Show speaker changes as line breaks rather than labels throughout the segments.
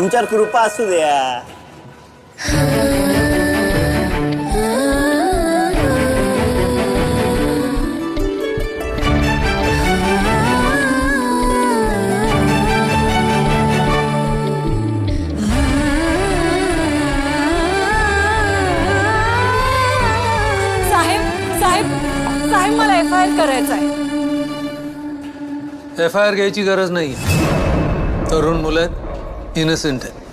आमच्यावर कृपा असू द्या.
साहेब मला FIR करायचा आहे.
FIR घ्यायची गरज नाही. तरुण मुलं इनोसेंट आहेत.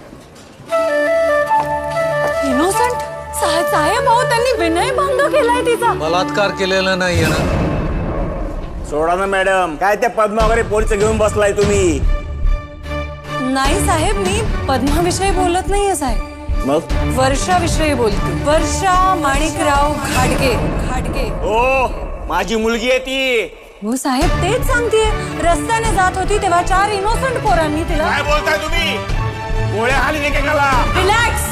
इनोसेंट? साहेब अहो त्यांनी विनयभंग केलाय तिचा.
बलात्कार केलेला नाहीये ना.
सोडा ना मॅडम, काय त्या पद्मा वगैरे पोरचं घेऊन बसलाय तुम्ही?
नाही साहेब, मी पद्माविषयी बोलत नाहीये साहेब.
मग
वर्षाविषयी बोलते. वर्षा माणिकराव घाटगे.
ओ माझी मुलगी आहे ती.
हो साहेब, तेच सांगतेय. रस्त्याने जात होती तेव्हा 4 इनोसेंट पोरांनी तिला.
काय बोलताय तुम्ही? गोळ्या हाली एकेकाला.
रिलॅक्स.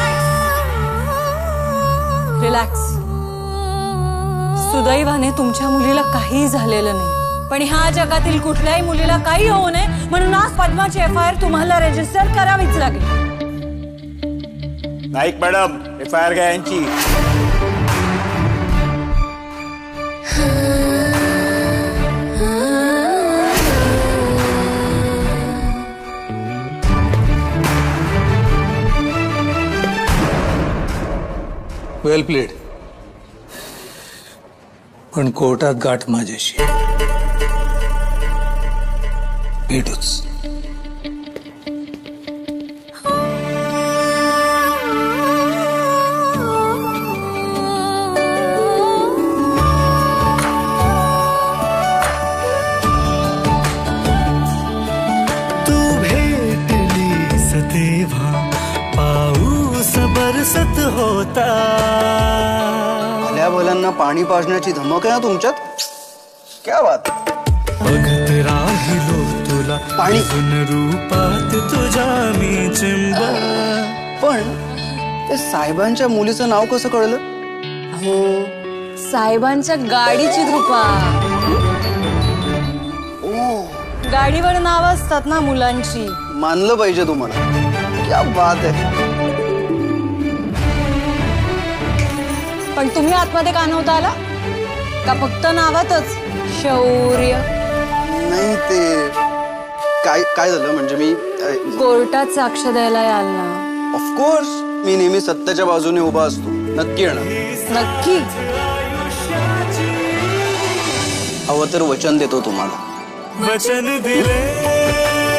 सुदैवाने तुमच्या मुलीला काही झालेलं नाही, पण ह्या जगातील कुठल्याही मुलीला काही होऊ नये म्हणून आज पद्माची FIR तुम्हाला रजिस्टर करावीच लागेल.
नाईक मॅडम, FIR घ्या यांची.
Well played. पण कोर्टात गाठ माझ्याशी. भेटूच.
तू भेटलीस तेव्हा पाऊस बरसत होता.
भल्या भल्यांना पाणी पाजण्याची धमक आहे ना तुमच्यात. क्या बात.
बघत राहिलो तुला
पाणी.
रूपात तुझ्या मी चिंब.
पण ते साहेबांच्या मुलीचं नाव कसं कळलं?
हो, साहेबांच्या गाडीची कृपा. गाडीवर नाव असतात ना मुलांची.
मानलं पाहिजे तुम्हाला. क्या बात आहे.
पण तुम्ही आतमध्ये का नव्हता आला? का फक्त नावातच शौर्य?
नाही ते काय झालं म्हणजे मी
कोर्टात साक्ष द्यायला याल ना?
ऑफकोर्स मी नेहमी सत्याच्या बाजूने उभा असतो. नक्की येणार.
नक्की.
हवं तर वचन देतो तुम्हाला.
वचन दिले